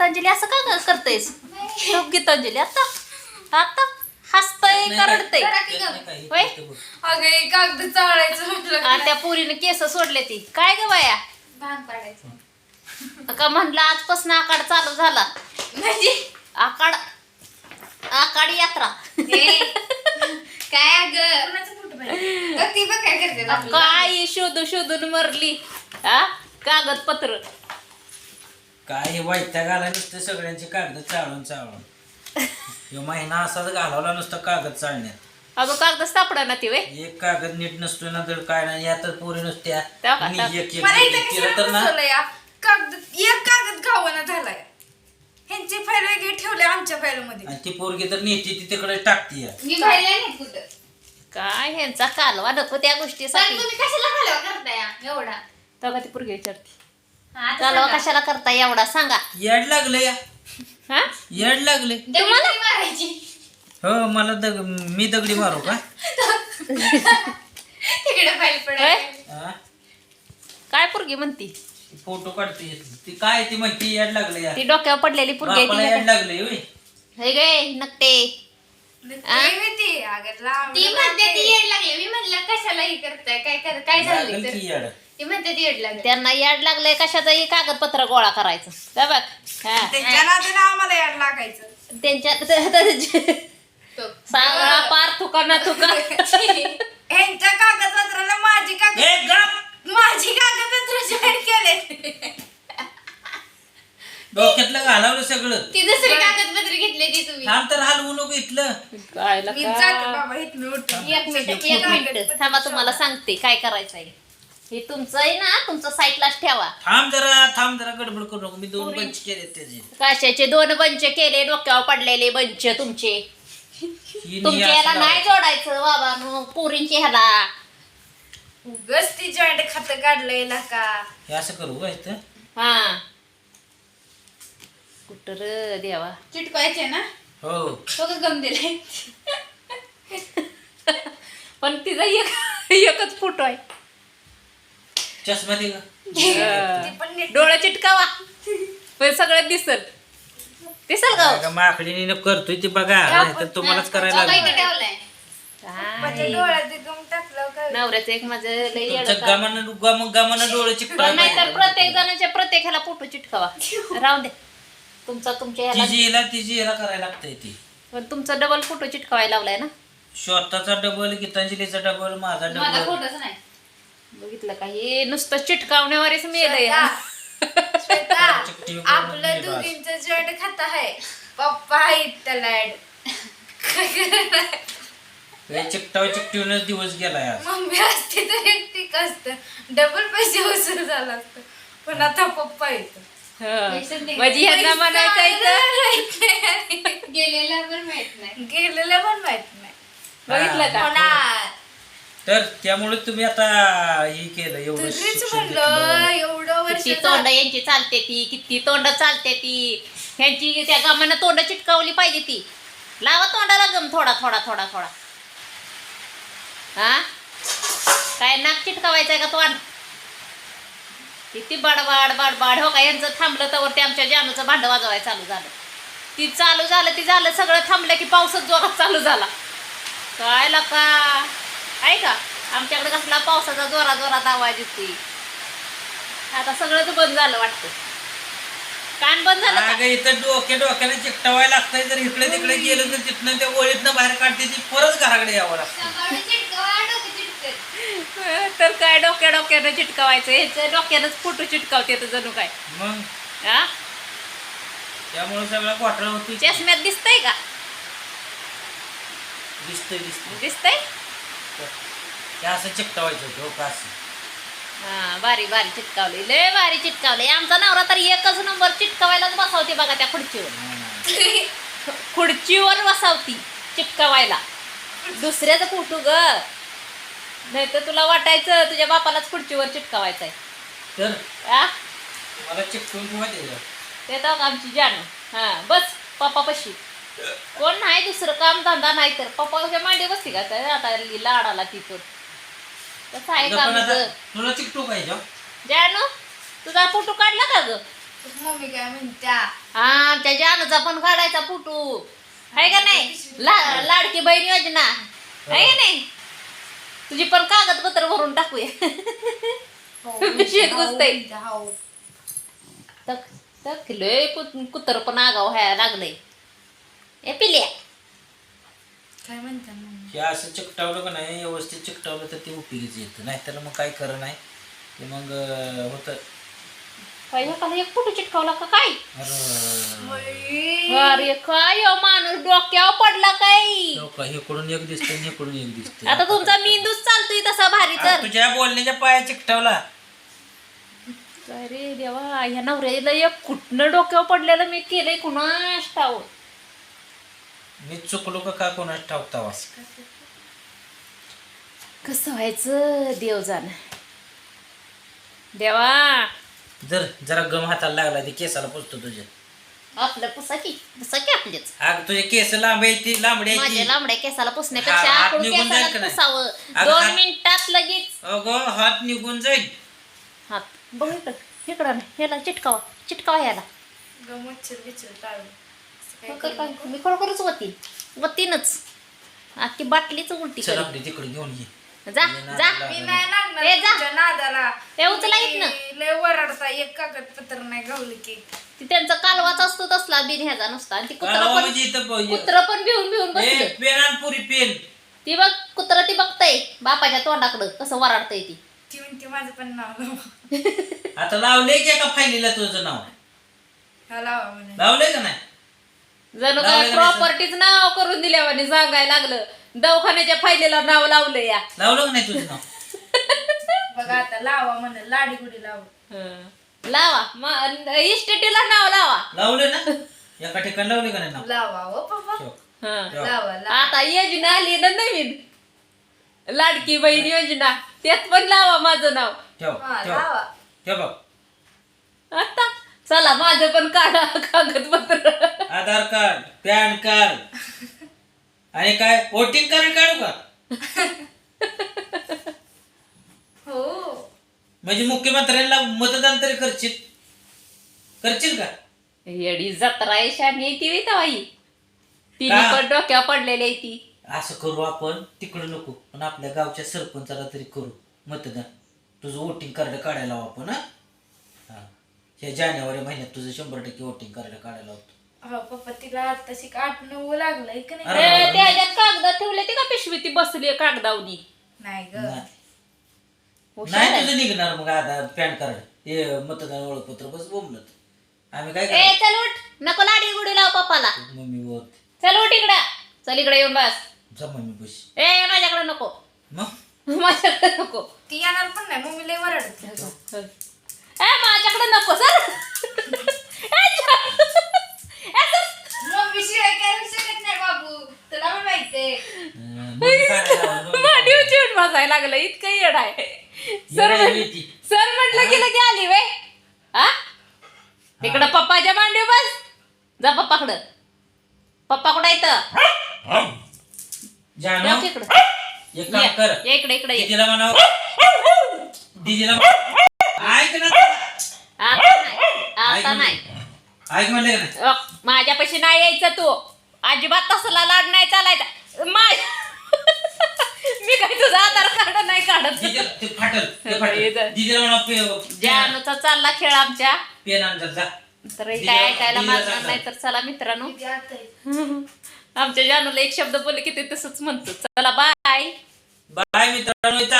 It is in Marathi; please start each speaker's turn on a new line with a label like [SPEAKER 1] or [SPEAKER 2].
[SPEAKER 1] गीतांजली असं का करतेस तो गीतांजली आता आता हसतय करडतय होय
[SPEAKER 2] अगं कागद चाळायचं म्हटलं
[SPEAKER 1] त्या पोरीने केस सोडले ती काय ग बाया
[SPEAKER 2] भांग पाडायचं
[SPEAKER 1] का म्हणलं आजपासून आकाड चालू झाला
[SPEAKER 2] म्हणजे
[SPEAKER 1] आकाड आकाड यात्रा
[SPEAKER 2] काय अगं ती बघ काय करते आपलं.
[SPEAKER 1] काय शोधून मरली हा कागदपत्र
[SPEAKER 3] काय वैताग आला नुसतं सगळ्यांचे कागद चाळून ह्यो महिना असाच घालवला नुसतं कागद चाळण्यात
[SPEAKER 1] अगं कागद सापडा ना ती वे
[SPEAKER 3] एक कागद नीट नसतो ना तर काय नाही या तर पोरी नुसत्या
[SPEAKER 1] त्या का?
[SPEAKER 3] मी एक
[SPEAKER 2] मला इथं
[SPEAKER 3] एक केलं
[SPEAKER 2] कशाला
[SPEAKER 3] तर ना
[SPEAKER 2] बसवलंय या? एक कागद गावाना झालाय ह्यांची फाईल वेगळी ठेवली आमच्या फाईल मध्ये
[SPEAKER 3] आणि ती पोरगी तर नेते ती तिकडे टाकते या.
[SPEAKER 2] मी पाहिलं नाही कुठं
[SPEAKER 1] काय ह्यांचा कालवा नको त्या
[SPEAKER 2] पण
[SPEAKER 1] गोष्टीसाठी
[SPEAKER 2] तुम्ही कशाला घालवा करताय एवढा
[SPEAKER 1] तेव्हा ती पोरगी विचारते
[SPEAKER 2] हा, आता
[SPEAKER 1] कालवा
[SPEAKER 2] सांगा.
[SPEAKER 1] कशाला करता एवढा सांगा
[SPEAKER 3] येड लागलं या
[SPEAKER 1] हा
[SPEAKER 3] येड लागले
[SPEAKER 2] दगडी मारायची
[SPEAKER 3] हो मला मी दगडी मारू का
[SPEAKER 2] तिकडे फाईल पडायची
[SPEAKER 3] हा?
[SPEAKER 1] काय पोरगी म्हणती
[SPEAKER 3] फोटो काढते ती काय ती म्हणते येड लागलं या
[SPEAKER 1] ती डोक्यावर पडलेली पोरगी
[SPEAKER 3] बापाला
[SPEAKER 1] आहे
[SPEAKER 3] येड लागले होय
[SPEAKER 1] हे गे नकटे
[SPEAKER 2] ती म्हणते ती येड लागले मी म्हणलं कशाला हे करताय काय झालं
[SPEAKER 3] लागल
[SPEAKER 2] तर
[SPEAKER 3] की येड
[SPEAKER 2] ती म्हणते ती येड लागले
[SPEAKER 1] त्यांना याड लागलंय कशाचंही कागदपत्र गोळा करायचं काय बघ हा
[SPEAKER 2] त्यांच्या नादाला आम्हाला याड लागायचं
[SPEAKER 1] त्यांच्या
[SPEAKER 2] तो.
[SPEAKER 1] सगळा पार थुका ना थुका
[SPEAKER 2] ह्यांच्या कागदपत्राला
[SPEAKER 3] ए गप
[SPEAKER 2] माझी कागदपत्र जॉईन केले
[SPEAKER 3] डोक्यातलं घालवलं सगळं
[SPEAKER 2] ती दुसरी कागदपत्र घेतली ती तुम्ही
[SPEAKER 3] थांब तर हलवू नको इथलं
[SPEAKER 1] काय
[SPEAKER 2] मी जातो बाबा इथनं उठून. एक मिनिट
[SPEAKER 1] एक मिनिट थांबा तुम्हाला सांगते काय करायचंय हे तुमचं आहे ना तुमचं साईडलाच ठेवा
[SPEAKER 3] थांब जरा गडबड करू नको मी 2 बंच केले त्याचे
[SPEAKER 1] काशाचे 2 बंच केले डोक्यावर पडलेले बंच तुमचे
[SPEAKER 3] ही
[SPEAKER 1] तुमच्या
[SPEAKER 3] असं
[SPEAKER 1] ह्याला नाही
[SPEAKER 3] लावायचं.
[SPEAKER 1] जोडायचं बाबा पोरींच्या ह्याला
[SPEAKER 2] उगच ती जॉईंट खातं काढलंय ना का
[SPEAKER 3] हे असं करू का इथं
[SPEAKER 1] हा कुठं र देवा
[SPEAKER 2] चिटकायचे ना
[SPEAKER 3] हो
[SPEAKER 2] तो का गम दिलाय
[SPEAKER 1] पण तिचा एकच फोटो आहे
[SPEAKER 3] चष्मा दे का
[SPEAKER 2] ती पण नीट
[SPEAKER 1] डोळा चिटकावा पण सगळं दिसल का हो?
[SPEAKER 3] माकडीने करतोय ती बघा नाहीतर तुम्हालाच करायला
[SPEAKER 2] तो काय
[SPEAKER 3] लागलं.
[SPEAKER 2] इथं ठेवलाय
[SPEAKER 1] काय?
[SPEAKER 2] माझ्या डोळ्यात गम टाकलं काय
[SPEAKER 1] नवऱ्याचं एक माझं लई येडं
[SPEAKER 3] तुमचं
[SPEAKER 1] काम.
[SPEAKER 3] गमानं डोळे
[SPEAKER 1] पण नाहीतर
[SPEAKER 3] चिकटायला
[SPEAKER 1] प्रत्येक जणांच्या प्रत्येक ह्याला फोटो चिटकावा राहून दे तुमच्या ह्याला
[SPEAKER 3] तिची याला करायला लागतंय ती
[SPEAKER 1] पण तुमचा डबल फोटो चिटकावायला लावलाय ना
[SPEAKER 3] स्वतःचा डबल गीतांजलीचा डबल माझा
[SPEAKER 2] माझा
[SPEAKER 3] डबल
[SPEAKER 2] फोटोच नाही
[SPEAKER 1] बघितलं का हे नुसतं चिटकावण्यावरच मेलंय
[SPEAKER 2] श्वेता,
[SPEAKER 3] चिकटी वगैरे
[SPEAKER 2] आपलं
[SPEAKER 3] नाही बास.
[SPEAKER 2] दोघींचं जॉईंट खातं आहे पप्पा आहेत त्याला
[SPEAKER 3] चिकटूनच दिवस गेलाय आज
[SPEAKER 2] मम्मी असते तर एकटीक असतं डबल पैसे वसूल झाला असतं पण आता पप्पा येतो
[SPEAKER 1] म्हणजे ह्यांना म्हणायचं
[SPEAKER 2] गेलेला पण माहित नाही गेलेलं पण माहित नाही
[SPEAKER 1] बघितलं का
[SPEAKER 2] होणार
[SPEAKER 3] तर त्यामुळे तुम्ही आता हे केलं एवढं
[SPEAKER 2] तरीच
[SPEAKER 3] शिक्षण
[SPEAKER 2] म्हणलं
[SPEAKER 3] घेतलं.
[SPEAKER 2] एवढं वर्ष
[SPEAKER 1] किती तोंड यांची चालते ती किती तोंड चालते ती ह्यांची त्या गमानं तोंड चिटकावली पाहिजे ती लावा तोंडाला गम थोडा हा काय नाक चिटकावायचंय का तोंड किती बाडबाड हो का यांचं थांबलं तर ते आमच्या जानूचं भांड वाजवायला चालू झालं सगळं थांबलं की पावसाच जोरात चालू झाला काय लका आहे का आमच्याकडे कसला पावसाचा जोरात आवाज येतोय आता सगळंच बंद झालं वाटतं कान बंद झालं का?
[SPEAKER 3] अगं इथं डोक्याने चिकटवायला लागतंय जर इकडे तिकडे गेलं तर तिथनं त्या ओळीतनं बाहेर काढते ती परत घराकडे यावं लागतं
[SPEAKER 1] तर काय डोक्यानं चिटकावायचं ह्याचं डोक्यानंच फोटो चिटकावते तर जणू काय
[SPEAKER 3] मग
[SPEAKER 1] हा
[SPEAKER 3] त्यामुळे सगळं घोटाळा होती
[SPEAKER 1] चष्म्यात दिसतंय का दिसतंय
[SPEAKER 3] ते असं चिकटवायचं होतं का असं
[SPEAKER 1] हा बारी चिटकावली लय भारी चिटकावली आमचा नवरा तर एकच नंबर चिटकावायलाच बसावते बघा त्या खुर्चीवर बसावती चिटकावायला दुसऱ्याचा फोटो ग नाही तर तुला वाटायचं तुझ्या बापालाच खुर्चीवर चिटकावायचंय
[SPEAKER 3] तर
[SPEAKER 1] आ
[SPEAKER 3] मला चिकटून किंवा ते
[SPEAKER 1] ते तर आमची जानू हा बस पप्पापाशी कोण नाही दुसरं काम धंदा नाही तर पप्पाच्या मांडी बसती का काय आता लाडाला तिथं कसं आहे काम तुझं
[SPEAKER 3] तुला चिकटू पाहिजे
[SPEAKER 1] जानू तुझा फोटो काढला का ग
[SPEAKER 2] मम्मी काय म्हणत्या
[SPEAKER 1] आमच्या जानूचा पण काढायचा फोटो आहे का नाही लाडकी बहीण योजना आहे का नाही तुझी पण कागदपत्र भरून टाकूया पिशवीत घुसतंय.
[SPEAKER 2] हो.
[SPEAKER 1] लय कुत्र पण आगाव व्हायला लागलंय ए पिल्या
[SPEAKER 2] काय म्हणत्या मम्मी
[SPEAKER 3] हे असं चिकटावलं का नाही व्यवस्थित चिकटावलं तर ते उपयोगीच येतं नाही तर मग काय खरं नाही ते मग होतं.
[SPEAKER 1] एकाला एक फोटो चिटकावला का काय
[SPEAKER 3] अरे
[SPEAKER 1] अरे काय हो माणूस डोक्यावर पडला काय
[SPEAKER 3] इकडून एक दिसतंय आणि इकडून एक दिसतंय.
[SPEAKER 1] आता तुमचा मेंदूच चालतोय तसा भारी
[SPEAKER 3] आता
[SPEAKER 1] तर
[SPEAKER 3] तुझ्या बोलण्याच्या पाया चिकटावला.
[SPEAKER 1] अरे देवा ह्या नवऱ्याला एक कुठनं डोक्यावर पडलेलं मी केलंय कुणास ठाऊक.
[SPEAKER 3] मी चुकलो का कोणाच ठाऊकतावा.
[SPEAKER 1] कसं व्हायचं देव जाण देवा
[SPEAKER 3] जरा गम हाताला लागला ते केसाला पुसतो तुझ्या.
[SPEAKER 1] आपलं पुसाकी आपलेच
[SPEAKER 3] अग तुझे केस लांबडी
[SPEAKER 1] माझ्या
[SPEAKER 3] आहे.
[SPEAKER 1] लांबड्या केसाला पुसण्यापेक्षा
[SPEAKER 3] हात
[SPEAKER 1] आपण
[SPEAKER 3] निघून जाईल का
[SPEAKER 1] केसाला
[SPEAKER 3] नाही?
[SPEAKER 1] पुसावं
[SPEAKER 3] अगं
[SPEAKER 1] 2
[SPEAKER 3] हात-
[SPEAKER 1] मिनिटात लगेच
[SPEAKER 3] अगं हात निघून जाईल.
[SPEAKER 1] हात बघ इकडं नाही ह्याला चिटकावा ह्याला
[SPEAKER 2] मच्छर बिच्छर टाळू
[SPEAKER 1] मी खरोखरच वतीनच अख्खी बाटलीच उलटी
[SPEAKER 3] चल
[SPEAKER 1] करेन.
[SPEAKER 3] आपली तिकडे घेऊन ये.
[SPEAKER 1] जा जा
[SPEAKER 2] मी नाही लागणार
[SPEAKER 1] ए, जा.
[SPEAKER 2] तुमच्या नादाला
[SPEAKER 1] ते उचला इथनं.
[SPEAKER 2] लय वरडता एक कागदपत्र नाही गावलं की
[SPEAKER 1] ती त्यांचा कालवाच असतो तसला बिन ह्याचा नुसता आणि ती
[SPEAKER 3] कालवा म्हणजे इथं
[SPEAKER 1] कुत्र पण भिवून बसले
[SPEAKER 3] पेन आण पुरी पेन.
[SPEAKER 1] ती बघ कुत्र ती बघतय बापाच्या तोंडाकडं कसं वराडतय ती
[SPEAKER 2] ती म्हणते माझं पण नाव लावा.
[SPEAKER 3] आता लावलंय की एका फायलीला तुझं नाव
[SPEAKER 2] हा लावा म्हणे
[SPEAKER 3] लावलंय का नाही.
[SPEAKER 1] जणू काय
[SPEAKER 3] लावलं का
[SPEAKER 1] प्रॉपर्टीच नाव करून दिल्यावाने सांगायला लागलं दवाखान्याच्या फायलीला नाव लावलं या
[SPEAKER 3] लावलं का नाही तुझं नाव.
[SPEAKER 2] बघा आता लावा म्हणे लाडी गुडी लावा
[SPEAKER 1] लावा इस्टेटीला नाव लावा
[SPEAKER 3] लावलंय ना एका ठिकाणी लावले का नाही नाव.
[SPEAKER 2] लावा हो पप्पा
[SPEAKER 3] ठेव.
[SPEAKER 1] हं.
[SPEAKER 3] ठेव.
[SPEAKER 2] लावा लावा
[SPEAKER 1] आता योजना आली ना नवीन लाडकी बहीण योजना त्यात पण लावा माझं नाव
[SPEAKER 3] ठेव
[SPEAKER 2] हा
[SPEAKER 3] ठेव
[SPEAKER 2] लावा
[SPEAKER 3] ठेव बघ.
[SPEAKER 1] आता चला माझं पण काढा कागदपत्र
[SPEAKER 3] आधार कार्ड पॅन कार्ड आणि काय वोटिंग कार्ड काढू का.
[SPEAKER 2] हो
[SPEAKER 3] म्हणजे मुख्यमंत्र्यांना मतदान तरी करशील का.
[SPEAKER 1] येडी जत्रा शानी ती वितावाई ती
[SPEAKER 3] का?
[SPEAKER 1] पण डोक्यावर पडलेली ती
[SPEAKER 3] असं करू आपण तिकडं नको पण आपल्या गावच्या सरपंचाला तरी करू मतदान. तुझं वोटिंग कार्ड काढायला लावू आपण. हा हे जानेवारी महिन्यात तुझं 100% वोटिंग कार्ड काढायला लावतो.
[SPEAKER 2] हो पप्पा तिला तशी 8-9 लागलंय का नाही
[SPEAKER 3] अरे.
[SPEAKER 1] त्याच्यात कागद ठेवले ती का पिशवी ती बसली कागदावनी
[SPEAKER 2] नाही ग
[SPEAKER 3] नाही.
[SPEAKER 1] हुशार
[SPEAKER 3] नाही
[SPEAKER 1] आहे.
[SPEAKER 3] तुझं निघणार मग आता पॅन कार्ड हे मतदान ओळखपत्र बस बोंबलत. आम्ही काय
[SPEAKER 1] ए
[SPEAKER 3] करायचं
[SPEAKER 1] चल उठ नको लाडी गुडी लाव पप्पाला
[SPEAKER 3] मम्मी बोल
[SPEAKER 1] चल उठ इकडं चल इकडे येऊन बस
[SPEAKER 3] जा मम्मी बस.
[SPEAKER 1] ए माझ्याकडे नको
[SPEAKER 3] मग
[SPEAKER 1] माझ्याकडे नको
[SPEAKER 2] ती येणार पण नाही मम्मी लय वरडते
[SPEAKER 1] ए माझ्याकडे नको सर
[SPEAKER 2] मम्मी शिवाय काय होऊ शकत नाही बाबू तुला पण माहितीये
[SPEAKER 3] मम्मी काढायला लावा, मम्मी
[SPEAKER 1] मांडी चिवट बसायला लागलं इतकं येड आहे सर
[SPEAKER 3] येडा आहे ती.
[SPEAKER 1] सर म्हटलं की लगे आली वे हा इकडं पप्पाच्या मांडी बस जा पप्पाकडं पप्पा कुठं येतं
[SPEAKER 3] जानू
[SPEAKER 1] इकडं
[SPEAKER 3] एक काम कर
[SPEAKER 1] ये इकडे इकडे ये.
[SPEAKER 3] दीदीला म्हणाव दीदीला ऐक ना
[SPEAKER 1] आता नाही
[SPEAKER 3] ऐक म्हणले का नाही.
[SPEAKER 1] माझ्यापाशी नाही यायचं तू अजिबात तसला लाड नाही चालायचा मी काय तुझा आधार कार्ड नाही काढत
[SPEAKER 3] दीदीला ते फाटल
[SPEAKER 1] ये जा.
[SPEAKER 3] दीदीला म्हणाव
[SPEAKER 1] जानूचा चालला खेळ आमच्या
[SPEAKER 3] पेन आणतात जा.
[SPEAKER 1] तर
[SPEAKER 3] दीदीला-
[SPEAKER 1] काय ऐकायला
[SPEAKER 3] दीदीला
[SPEAKER 1] मागणार
[SPEAKER 3] सांगा.
[SPEAKER 1] नाही तर चला मित्रांनो
[SPEAKER 2] ती आता आहे.
[SPEAKER 1] आमच्या जानूला एक शब्द बोलले की ते तसंच म्हणतो चला बाय
[SPEAKER 3] बाय मित्रांनो.